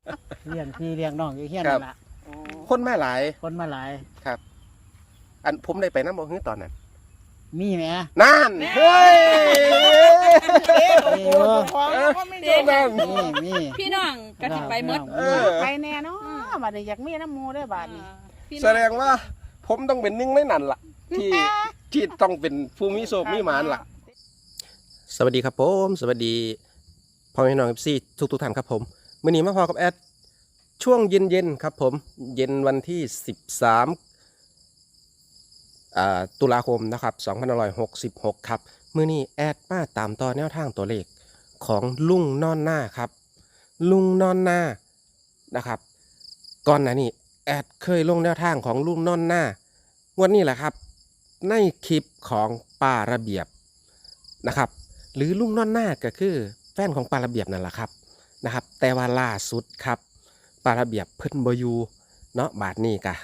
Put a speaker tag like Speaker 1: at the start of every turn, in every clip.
Speaker 1: เลี้ยงพี่เลี้ยงน้องอยู่เฮียนนั่นล่ะ
Speaker 2: คนมาหลาย
Speaker 1: คนมาหลาย
Speaker 2: ครับ อันผมได้ไปน้ำบ่ฮื้อตอนนั้น
Speaker 1: มีไหม
Speaker 2: นั่นเฮ้ย
Speaker 1: มีอยู่
Speaker 2: นั่น
Speaker 1: มี
Speaker 3: พี่น้องก็สิไปหมด
Speaker 4: ไปแน่เนาะบัดนี้อยากมีน้ำมูได้บัดนี้
Speaker 2: แสดงว่าผมต้องเป็นหนึ่งในนั้นล่ะ ที่ต้องเป็นผู้มีโชคมีหมานล่ะ สวัสดีครับผมสวัสดีพ่อแม่น้องFCทุกท่านครับผมมื้อนี้มาพอกับแอดช่วงเย็นๆครับผมเย็นวันที่13ตุลาคมนะครับ2566ครับมื้อนี้แอดมาตามต่อแนวทางตัวเลขของลุงนอนหน้าครับลุงนอนหน้านะครับก่อนหน้านี้แอดเคยลงแนวทางของลุงนอนหน้างวดนี้แหละครับในคลิปของป้าระเบียบนะครับหรือลุงนอนหน้าก็คือแฟนของป้าระเบียบนั่นแหละครับนะครับแต่ว่าล่าสุดครับป้าระเบียบเพิ่นบ่อยู่เนาะบาดนี้กะ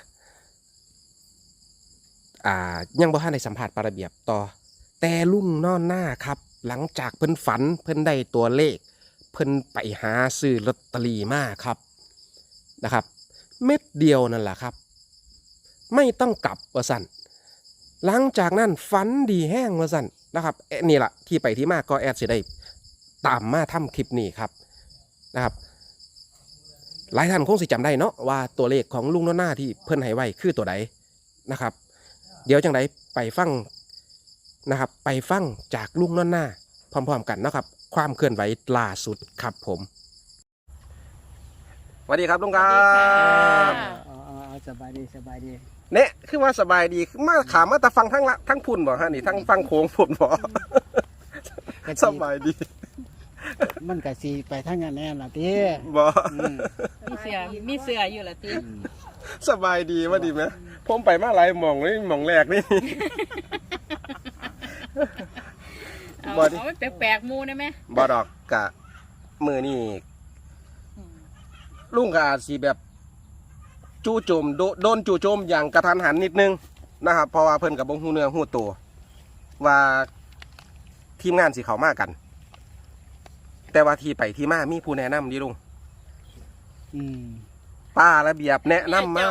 Speaker 2: ยังบ่ทันได้สัมภาษณ์ป้าระเบียบต่อแต่ลุงนอนหน้าครับหลังจากเพิ่นฝันเพิ่นได้ตัวเลขเพิ่นไปหาซื้อลอตเตอรี่มาครับนะครับเม็ดเดียวนั่นแหละครับไม่ต้องกลับว่าสั่นหลังจากนั้นฝันดีแห้งว่าสั่นนะครับนี่แหละที่ไปที่มาก็แอดสิได้ตามมาทำคลิปนี้ครับนะครับหลายท่านคงสิจำได้เนาะว่าตัวเลขของลุงนอนหน้าที่เพิ่นให้ไว้คือตัวใดนะครับเดี๋ยวจังไดไปฟังนะครับไปฟังจากลุงนอนหน้าพร้อมๆกันนะครับความเคลื่อนไหวล่าสุดครับผมสวัสดีครับลุงครับ
Speaker 1: เอาสบายดีสบายดี
Speaker 2: เนี่ยคือว่าสบายดีมาขามาแต่ฟังทั้งพุ่นบ่ฮะนี่ทั้งฟังโค้งพุ่นบ่สบายดี
Speaker 1: มันก็สิไปทางนั้นแน่ล่ะติ
Speaker 2: บ่
Speaker 3: มีเสืออยู่ละติ
Speaker 2: สบายดีว่าดีไหมผมไปมาหลายหม่องนี่หม่องแรกนี่
Speaker 3: เอาแปลกๆมูได้ไหม
Speaker 2: บ่ดอกกะมือนี่ลุงก็อาจสิแบบจู่โจมโดนจู่โจมอย่างกระทันหันนิดนึงนะครับเพราะว่าเพิ่นกับบ่ฮู้เนื้อฮู้ตัวว่าทีมงานสิเข้ามากันแต่ว่าที่ไปที่มามีผู้แนะนำดิลุงป้าระเบียบแนะนำมา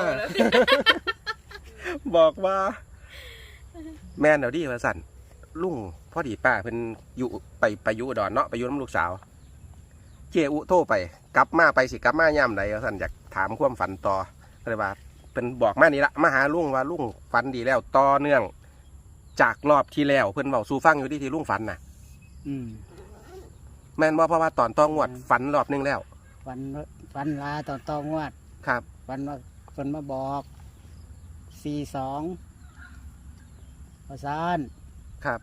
Speaker 2: บอกว่าแม่นเดี๋ยวดีว่าสั่นลุงพอดีป้าเพิ่นอยู่ไปอยู่อุดรเนาะไปอยู่น้ำลูกสาวเจอุโทรไปกลับมาสิกลับมาย่ำไหนว่าสั่นอยากถามความฝันต่อก็เลยว่าเป็นบอกมานี่ละมาหาลุงว่าลุงฝันดีแล้วต่อเนื่องจากรอบที่แล้วเพิ่นเว้าสู่ฟังอยู่ที่ลุงฝันน่ะแม่นบ่เพราะว่าตอนต้องวดฝันรอบนึงแล้ว
Speaker 1: ฝันลาตอนงวด
Speaker 2: ครับ
Speaker 1: ฝันว่าเพิ่นมาบอก42ประสาน
Speaker 2: ครับ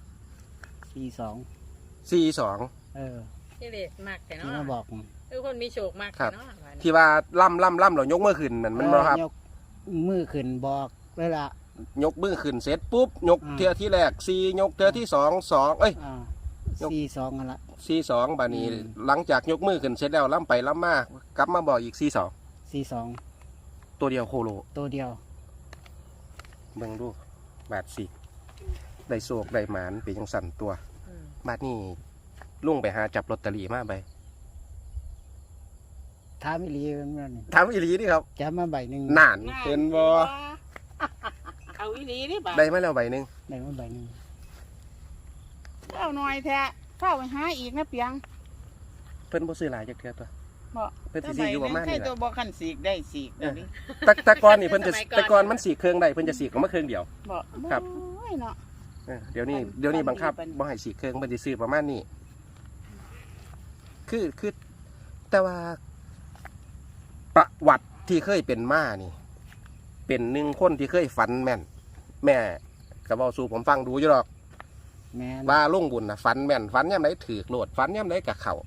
Speaker 1: 42
Speaker 3: ที่เล็กมากแต่เนาะ
Speaker 1: ที่มาบอก
Speaker 3: คือคนมีโชคมากเนาะ
Speaker 2: ที่ว่าล่ำเรายกมือขึ้นนั่นมันบ่ครับ
Speaker 1: ยกมือขึ้นบอกเลยล่ะ
Speaker 2: ยกมือขึ้นเสร็จปุ๊บยกเทือที่แรก4ยกเทือที่2 2เอ้ย
Speaker 1: 42นั่นล่ะ
Speaker 2: 42บาดนี้หลังจากยกมือขึ้นเสร็จแล้วล่ำไปล่ำมากลับมาบอกอีก42ตัวเดียวโคโล
Speaker 1: ตัวเดียว
Speaker 2: เบิ่งดูบาดสิได้โศกได้หมานเป็นจังสั่นตัวบาดนี้ลุงไปหาจับลอตเตอรี่มาใบ
Speaker 1: ถามอีหลีมัน
Speaker 2: ถามอีหลีนี่ครับ
Speaker 1: จับมาใบนึง
Speaker 2: นานเห็นบ่
Speaker 4: เอาอีหลีนี่บ่
Speaker 2: ได้มาแล้วใบนึง
Speaker 1: ได้มาใบนึง
Speaker 4: เอาหน่อยแท้เข้าไปหาอีกนะเปียง
Speaker 2: เพิ่นบ่ซื้อหลายจักเทื่อตัว
Speaker 4: บ่
Speaker 2: เพิ่นสิซื้ออยู่ประมาณนี้แหละ
Speaker 4: ตัวบ่คันสีกได้สีกนี่
Speaker 2: แต่ก่อนนี่เพิ่นจะแต่ก่อนมันสีเครื่องได้เพิ่นจะสีออกมาเครื่องเดียว
Speaker 4: บ่
Speaker 2: ครับ
Speaker 4: เนาะ
Speaker 2: เดี๋ยวนี้บังคับบ่ให้สีเครื่องเพิ่นสิซื้อประมาณนี้คือแต่ว่าประวัติที่เคยเป็นมานี่เป็นหนึ่งคนที่เคยฝันแม่นแม่ก็เว้าสู่ผมฟังดูอยู่ดอกว่าลงบุญน่ะฝันแม่นฝันยามใดถูกโลดฝันยามใดก็เข้า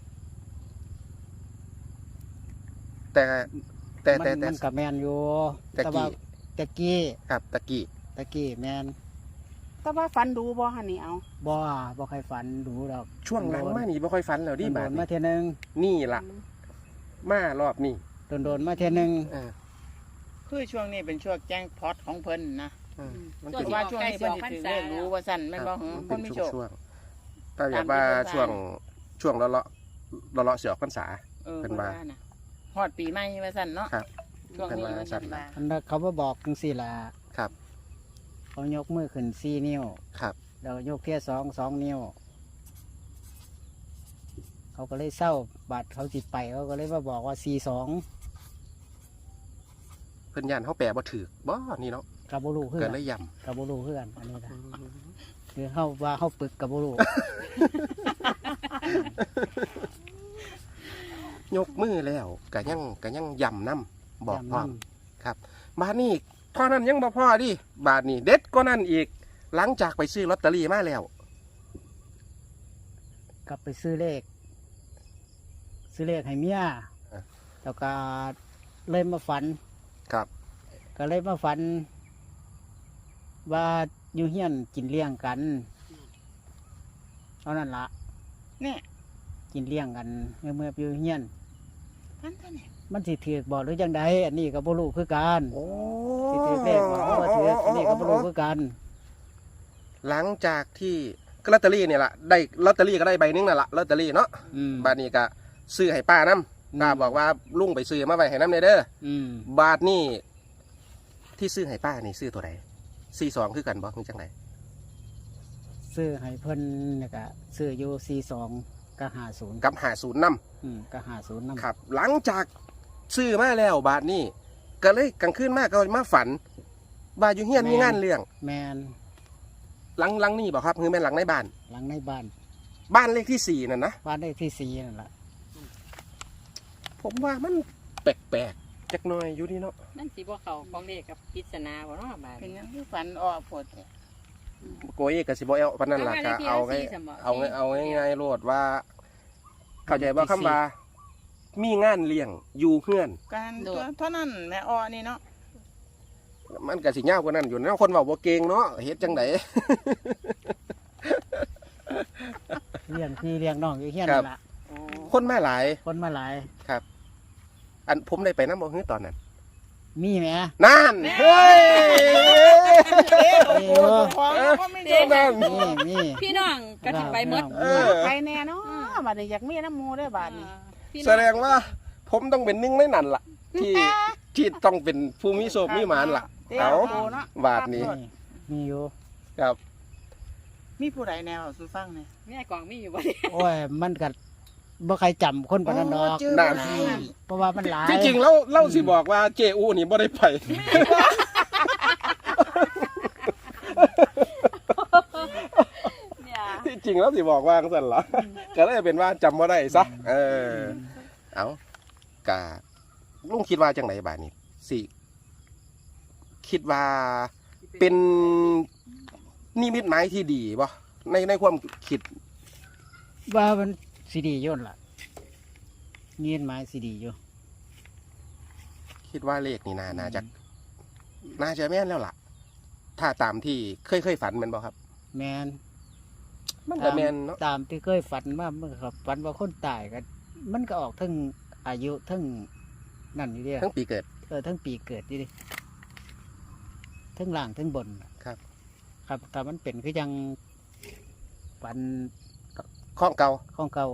Speaker 2: แต่
Speaker 1: มันกับแมนอยู่
Speaker 2: ตะกี้ครับตะกี้
Speaker 1: แมน
Speaker 4: แต่ว่าฝันดูบ่ฮั่นนี่เอา
Speaker 1: บ่ค่อยฝันดูดอก
Speaker 2: ช่วงหลังมานี่บ่ค่อยฝันแล้วดิบาด
Speaker 1: มาเทื่อนึง
Speaker 2: นี่ล่ะมารอบนี้
Speaker 1: โดนมาเทื่อนึง
Speaker 4: คือช่วงนี้เป็นช่วงแจ้งพอตของเพิ่นนะว่าช่วงนี้เพิ่นสิถือรู้ว่าสั่นแม่นบ่คนมีโชค
Speaker 2: ถ้าอยากว่าช่วงเลาะเสือพรรษาเพิ่นว่า
Speaker 4: ฮฮอดปีใหม่ว่าซั่นเนาะ
Speaker 2: ครับ
Speaker 4: ช่วงนี้
Speaker 2: เพิ่นว่า
Speaker 4: มัน
Speaker 2: ซั่น
Speaker 4: ว่า
Speaker 1: อันนั้นเขามาบอกจังสี่ละ
Speaker 2: ครับ
Speaker 1: เขายกมือขึ้น4 นิ้ว
Speaker 2: ครับ
Speaker 1: แล้วยกเทีย2 นิ้ว เขาก็เลยเศร้าบัตรเขาจิตไปเขาก็เลยมาบอกว่า42
Speaker 2: เพิ่นย่านเฮาแปลบ่ถูกบ่นี่เนาะ
Speaker 1: กับบุรุคือ
Speaker 2: เกิ
Speaker 1: กั
Speaker 2: ด
Speaker 1: น
Speaker 2: เลยย่
Speaker 1: กับบุรุคือกันอันนี้นะคือเขาว่าเขาปึกกับบุรุ
Speaker 2: ยกมือแล้วก็ยังย่ำนํบอกพร้อม
Speaker 1: ำ
Speaker 2: ครับบาทนี้เท่านั้นยังบ่พอดิบาทนี้เด็ดก็นั่นอีก หลังจากไปซื้อลอตเตอรี่มาแล้ว
Speaker 1: กลับไปซื้อเลขให้เมีย
Speaker 2: อ่ะ
Speaker 1: แล้วก็เลยมาฝัน
Speaker 2: ครับ
Speaker 1: ก็เลยมาฝัน ว่าอยู่เฮียนกินเลี้ยงกันเท่านั้นละ
Speaker 4: เนี่ย
Speaker 1: กินเลี้ยงกันเมื่ออยู่เฮียน
Speaker 4: พันเท่านี้
Speaker 1: มันสิถือกบอกหรือยังไดอันนี้ก็บ่รู้คือกัน
Speaker 2: โอ้
Speaker 1: สิถือเลขบอกว่าถืออันนี้ก็บ่รู้คือกัน
Speaker 2: หลังจากที่ก็ลอตเตอรี่เนี่ยละได้ลอตเตอรี่ก็ได้ใบหนึงนั่นละลอตเตอรี่เนาะ
Speaker 1: อืม
Speaker 2: บาทนี้ก็ซื้อให้ป้านํป้าบอกว่าลุงไปซื้อมาไว้ให้น้ำเด้อ
Speaker 1: อืม
Speaker 2: บาทนี้ที่ซื้อให้ป้านี่ซื้อตัวไหน42คือกันบ่คือจังได
Speaker 1: ซื้อให้เพิ่นเนี่ยก็ซื้ออยู่42กับ50
Speaker 2: กับ50นำ
Speaker 1: กับ50นำ
Speaker 2: ครับ หลังจากซื้อมาแล้วบาทนี้ก็เลยกลางคืนมาก็มาฝันว่าอยู่เฮียนมีงานเลี้ยง
Speaker 1: แมน
Speaker 2: หลังนี่บอกครับคือแม่นหลังในบ้าน
Speaker 1: หลังในบ้าน
Speaker 2: บ้านเลขที่ 4นั่นนะ
Speaker 1: บ้านได้ที่4นั่นแหละ
Speaker 2: ผมว่ามันแปลกๆจักหน่อยอยู่นี่เนาะ
Speaker 3: นั่นสิบ่เขาของเด็กกับปริศนาบ่เนาะบาด
Speaker 4: เป็นหยังคือฝันออกโพดแท้
Speaker 2: โกยก็สิบ่เอาปานนั้นล่ะก็เอาง่ายๆโลดว่า เข้าใจว่าคำว่ามีงานเลี้ยงอยู่เฮือน
Speaker 4: การตัวเท่านั้นแม่อ้อนี่เนาะ
Speaker 2: มันก็สิยาวกว่านั้นอยู่นะคนเว้าบ่เก่งเนาะเฮ็ดจังได
Speaker 1: เลี้ยงพี่เลี้ยงน้องอยู่เฮียนนั่นละ
Speaker 4: โอ้
Speaker 2: คนมาหลาย
Speaker 1: คนมาหลาย
Speaker 2: ครับ อันผมได้ไปนำบ่ฮือตอนนั้น
Speaker 1: มีแหม
Speaker 2: นั่นเฮ้ย
Speaker 4: เอ๊ะโอ้โหของเราก็ไม่ได้
Speaker 2: นั่น
Speaker 1: มี
Speaker 3: พี่น้องก็สิไปหมด
Speaker 2: เออ
Speaker 4: ไปแน่เนาะบัดนี้อยากมีน้ำหมูได้อบาดนี้
Speaker 3: พี่น้อ
Speaker 2: แสดงว่า ผมต้องเป็นหนึ่งในนั้นล่ะ ที่ต้องเป็นผู้มีโชคมีหมานล่ะ เอา
Speaker 4: เนาะ
Speaker 2: บาทนี้
Speaker 1: มีอยู่
Speaker 2: ครับ
Speaker 4: มีผู้ใดแนวสู่ฟังเนี่ย
Speaker 3: แม่กองมีอยู่บ่
Speaker 1: โอ้ยมันก็บ่ใครจำคนปานนั้นดอก
Speaker 4: เจอ
Speaker 2: นั่
Speaker 4: บ่
Speaker 2: น
Speaker 4: ได้
Speaker 1: เพราะว่ามันหลาย
Speaker 2: ที่จริงแล้วเล่าสิบอกว่าเจอูนี่บ่ได้ไป
Speaker 3: เนี่ย
Speaker 2: ที่จริงแล้วสิบอกว่าจังซั่นล่ะก็เลยเป็นว่าจำบ่ได้ซะเออ เอากะลุงคิดว่าจังไดบาดนี้สิคิดว่าเป็นนิมิตหมายที่ดีบ่ในความคิด
Speaker 1: ว่ามันสิดีอยู่นั่นล่ะเงียนไม้สิดีอยู่
Speaker 2: คิดว่าเลขนี่น่าจะแม่นแล้วล่ะ ถ้าตามที่เคยฝันแมันบ่ครับ
Speaker 1: แมน
Speaker 2: มันก็แม่นเนาะ
Speaker 1: ตามที่เคยฝันมาเมื่อครับฝันว่าคนตายกันมันก็ออกทั้งอายุทั้งนั่นอยู่เดีย
Speaker 2: ทั้งปีเกิด
Speaker 1: ทั้งปีเกิดอยู่ดิทั้งล่างทั้งบน
Speaker 2: ครับ
Speaker 1: ครับแต่มันเป็นคือยังฝัน
Speaker 2: ข้องเก่า
Speaker 1: ของเก่า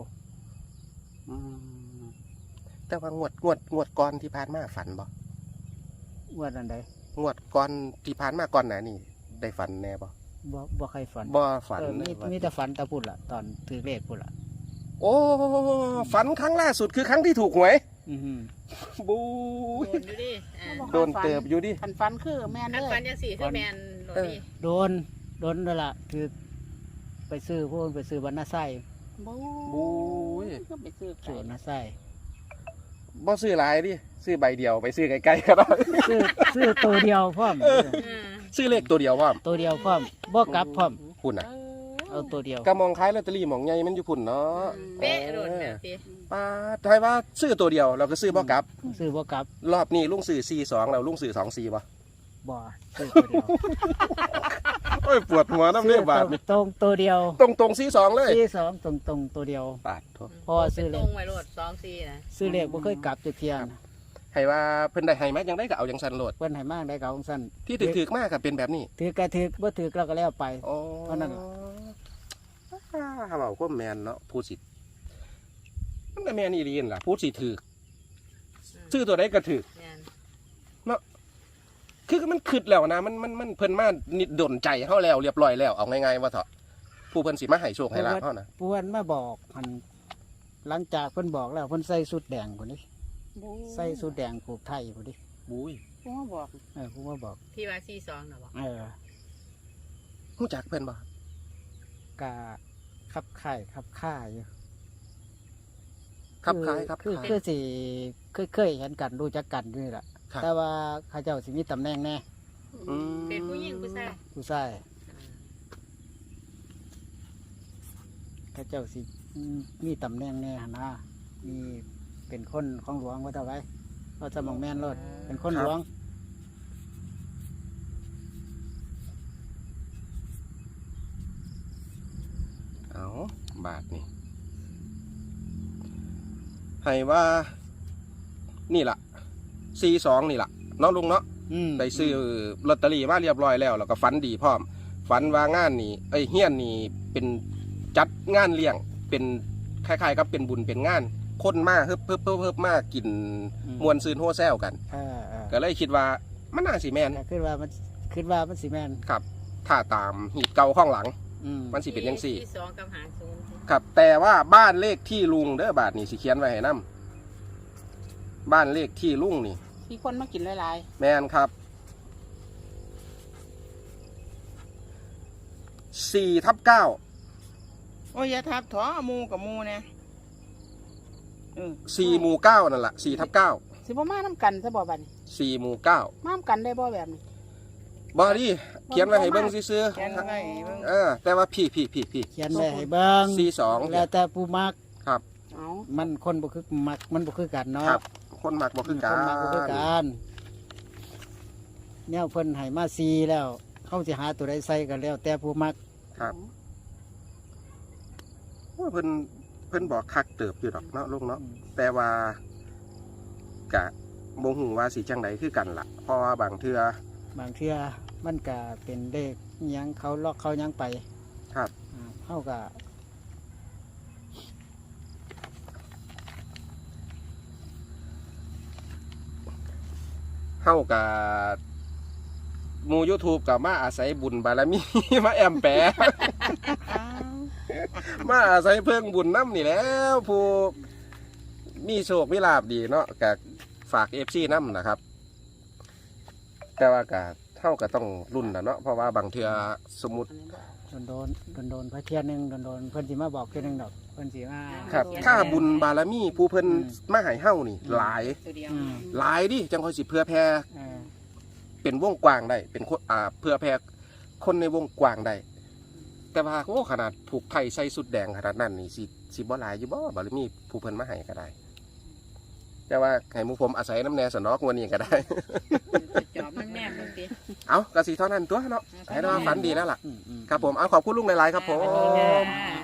Speaker 2: แต่ว่างวดก่อนที่ผ่านมาฝันบ่
Speaker 1: ว่าอันใด
Speaker 2: งวดก่อนที่ผ่านมาก่อนหน้านี่ได้ฝันแน่บ่
Speaker 1: บ่ใครฝัน
Speaker 2: บ่ฝัน
Speaker 1: มี
Speaker 2: เลยว่า
Speaker 1: มีแต่ฝันแตะพุ่นล่ะ ตอนถือเลขพุ่นล่ะ
Speaker 2: โอ้ฝันครั้งล่าสุดคือครั้งที่ถูกหวย
Speaker 1: อือหือ
Speaker 2: บู
Speaker 3: โดนอยู่ดิอ่า
Speaker 2: โดนเติบอยู่ดิ
Speaker 4: คันฟันคือแม่น
Speaker 3: คัน
Speaker 4: เล
Speaker 3: ฟัน
Speaker 4: ย
Speaker 3: จังสี่คือแม่นโดนดิ
Speaker 1: โดนนั่นล่ะคือไปซื้อพวกไปซื้อบรรณาไส้
Speaker 2: บูย
Speaker 4: ก็ไปซื้อ
Speaker 1: ซื้อบรรณาไส้
Speaker 2: บ่ซื้อหลายดิซื้อใบเดียวไปซื้อไกลๆก็ได้
Speaker 1: ซื้อตัวเดียวพร้อม
Speaker 3: อ่า
Speaker 2: ซื้อเลขตัวเดียวพร้อม
Speaker 1: ตัวเดียวพร้อมบ่กลับพร้อม
Speaker 2: คุณน่ะ
Speaker 1: เอาตัวเดียว
Speaker 2: ก็มองคล้ายลอตเตอรี่หมองใหญ่มันอยู่พุ่นเนาะ
Speaker 3: เป๊ะโดนแบบนี้
Speaker 2: ป้าทายว่าซื้อตัวเดียวเราก็ซื้อบ่กลับ
Speaker 1: ซื้อบ่กลับ
Speaker 2: รอบนี้ลุงซื้อ42แล้วลุงซื้อ24บ่
Speaker 1: บ่ซื้อตัวเดียว
Speaker 2: โอ้ยปวดหัวน้ำเลือดบาดนี่
Speaker 1: ตรงตัวเดียว
Speaker 2: ตรง42เลย
Speaker 1: ที่สองตรงตัวเดียว
Speaker 2: บาดโทษ
Speaker 1: เพราะว่า
Speaker 3: เป็
Speaker 1: ซื้
Speaker 3: น
Speaker 1: อเล
Speaker 3: ตร
Speaker 1: ข
Speaker 3: งไว้โลด2-4นะ
Speaker 1: ซื้อเลขบ่เคยกลับจักเที่ยนะ
Speaker 2: ให้ว่าเพิ่นได้ให้มาจังได๋ก็เอาจังซั่นโลด
Speaker 1: เพิ่นให้มากได้ก็เอาซั่น
Speaker 2: ที่ถึกๆมากก็เป็นแบบนี้
Speaker 1: ถือก็ถือบ่ถือเราก็แล้วไป
Speaker 2: อ๋อ
Speaker 1: เท่านั้นล่ะ
Speaker 2: เว้าก็แม่นเนาะผู้สิมันก็แม่นอีหลีนั่นล่ะผู้สิถูกซื้อตัวใดก็ถือ
Speaker 3: แม่น
Speaker 2: คือมันคิดแล้วนะมันเพิ่นมานิดดนใจเฮาแล้วเรียบร้อยแล้วเอาง่ายๆว่าเถอะผู้เพิ่นสิมาให้โชคให้ลาภเฮานะ
Speaker 1: ปวนมาบอกมันหลังจากเพิ่นบอกแล้วเพิ่นใส่สุดแดงพุ่นนี่ใส่สุดแดงผูกไทยพุ่นนี่
Speaker 2: บุ้ย
Speaker 4: ผู้มาบอก
Speaker 1: ผู้มาบอก
Speaker 3: ที่ว่า42น่ะบ่
Speaker 2: ฮู้จักเพิ่นบ่
Speaker 1: กะขับข่ายขับข่ายอยู่
Speaker 2: ครับคล้ายครับ
Speaker 1: คือ
Speaker 2: คล้าย
Speaker 1: คือสิเคยเห็นกันรู้จักกันอยู่นี่แหละ
Speaker 2: ครับ
Speaker 1: แต่ว่าเขาเจ้าสิมีตำแหน่งแน่
Speaker 2: อืม
Speaker 3: เป็นผู้หญิงผู้ชาย
Speaker 1: ผู้ชายเขาเจ้าสิมีตำแหน่งแน่หั่นนะมีเป็นคนของหลวงว่าเท่าไว้เราจะมองแม่นรถเป็นคนหลวง
Speaker 2: เอาบาทนี่ให้ว่านี่ล่ะ42นี่ล่ะเนาะลุงเนาะ ได้ซื้อลอตเตอรี่มาเรียบร้อยแล้วแล้วก็ฝันดีพร้อมฝันว่างานนี่เฮียนนี่เป็นจัดงานเลี้ยงเป็นคล้ายๆกับเป็นบุญเป็นงานคนมาเฮิบมากินมวนซืนโฮแซวกัน ก็เลยคิดว่ามันน่าสิแม่น
Speaker 1: ขึ้นว่ามันสิแม่น
Speaker 2: ครับ ถ้าตามหีบเก่าข้างหลัง มันสิเป็นจังซี่
Speaker 3: ที่2กับ50
Speaker 2: ครับ แต่ว่าบ้านเลขที่ลุงเด้อบาทนี่สิเขียนไว้ให้นํบ้านเลขที่ลุงนี่
Speaker 4: มีคนมากินหลาย
Speaker 2: แม่นครับ4/9
Speaker 4: ๆโอ้ยอย่าทับถอหมูกับหมูเนี่ย
Speaker 2: 4หมู่9นั่นล่ะ4/9
Speaker 4: สิบ่มาน้ำกันซะบ่บัดนี้
Speaker 2: 4หมู่9
Speaker 4: มาน้ำกันได้บ่แบบนี้
Speaker 2: บอดี้เขียนไว้ให้เบิ้งซื่อ
Speaker 4: แค่นั้นไงเบิ่ง
Speaker 2: แต่ว่าพี่
Speaker 1: เขียนไว้ให้เบิ่ง
Speaker 2: 42
Speaker 1: แล้วแต่ผู้มัก
Speaker 2: ครับ
Speaker 4: เอา
Speaker 1: มันคนบ่คือมักมันบ่คือกันเนาะ
Speaker 2: ครับ คนมักบ่คือกั
Speaker 1: คนมักบ่คือน กันแนวเพิ่นให้มา4แล้วเขาสิหาตัวใดใส่กันแล้ว แต่ผู้มัก
Speaker 2: ครับว่าเพิ่นบอกคักเติบอยู่ดอกเนาะลุงเนาะแต่ว่ากะบ่ฮู้ว่าสิจังไดคือกันล่ะเพราะว่าบางเทื่อบ
Speaker 1: างเทื่อมันก็เป็นเลขอิหยังเขาล็อกเขาหยังไป
Speaker 2: ครับ
Speaker 1: เฮาก็
Speaker 2: เฮากับหมู่ YouTube ก็มาอาศัยบุญบารมี มาแอมแปะ มาอาศัยเพิ่งบุญน้ำนี่แหล้วผู้มีโชคมีลาบดีเนาะกับฝาก FC น้ำนะครับ แต่ว่าก็เท่ากับต้องรุ่นนะเนาะเพราะว่าบางเทื่อสมมุติ
Speaker 1: โดนพระเทียนหนึงโดนเพิ่นสิมาบอกเทื่อหนึงดอกเพิ่นสิมา
Speaker 2: ครับ ถ้าบุญบารมีผู้เพิ่นมาให้เฮานี่หลาย
Speaker 3: ตัวเดียว
Speaker 2: หลายดิจังค่อยสิเพื่อแพร่
Speaker 1: เออ
Speaker 2: เป็นวงกว้างได้เป็นคนเพื่อแพร่คนในวงกว้างได้แต่ว่าโอ้ขนาดผูกไทยใส่สุดแดงขนาดนั้นนี่สิบ่หลายอยู่บ่บารมีผู้เพิ่นมาให้ก็ได้ แต่ว่าให้หมู่ผมอาศัยน้ำแน่สนอกงวดนี้ก็ได้
Speaker 3: จอบแน่ๆมึงติ
Speaker 2: เอากระสีเท่านั้นตัวเนาะให้เราฝันดีแล้วล่ะ
Speaker 1: อืม
Speaker 2: ครับผมเอาขอบคุณลุงหลายๆครับผม
Speaker 3: สวัสดีค่ะ